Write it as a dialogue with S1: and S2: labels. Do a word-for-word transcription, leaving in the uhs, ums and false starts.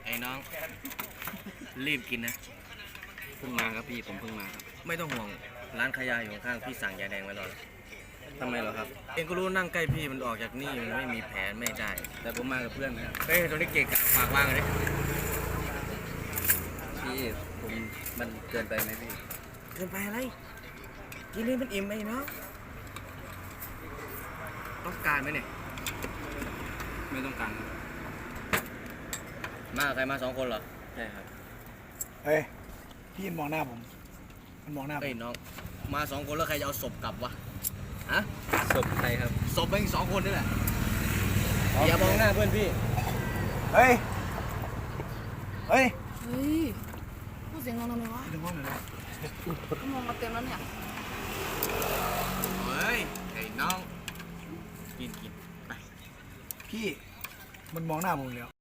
S1: ไอ้น้องรีบกินนะ
S2: เพิ่งมาครับพี่ผมเพิ่งมาครับ
S1: ไม่ต้องห่วงร้านขายยาอยู่ข้างพี่สั่งยาแดงไว้รอแล้ว
S2: ทำไมเหรอครับ
S1: เองก็รู้นั่งใกล้พี่มันออกจากนี่มันไม่มีแผลไม่ได้
S2: แต่ผมมากับเพื่อนนะครับ
S1: เฮ้ยตรงนี้เก่งกะฝากวางเลย
S2: พี่ผมมันเกินไปไหมพี่
S1: เกินไปอะไรกินนี่มันอิ่มไหมเนาะต้องการไหมเนี่ย
S2: ไม่ต้องการครับ
S1: มาใครมาสองคนเหรอ
S2: ใช่ครับ
S3: เฮ้ยพี่มันมองหน้าผมมันมองหน้าผ
S1: เฮ้ย
S3: ม
S1: น้องมาสองคนแล้วใครจะเอาศพกลับวะฮะ
S2: ศพใครครับ
S1: ศพแม่งสองคนนี่แหละอย่ามองหน้าเพื่อนพี่
S3: เฮ้ยเฮ้ย
S4: เฮ้ยพูดเสียงดังทำไมวะ
S3: ดึงห้องหน่อยนะ
S4: ก็มองมาเต็มแล้วเนี่ย
S1: เฮ้ยไอ้น้องกินกินไป
S3: พี่มันมองหน้าผมแล้ว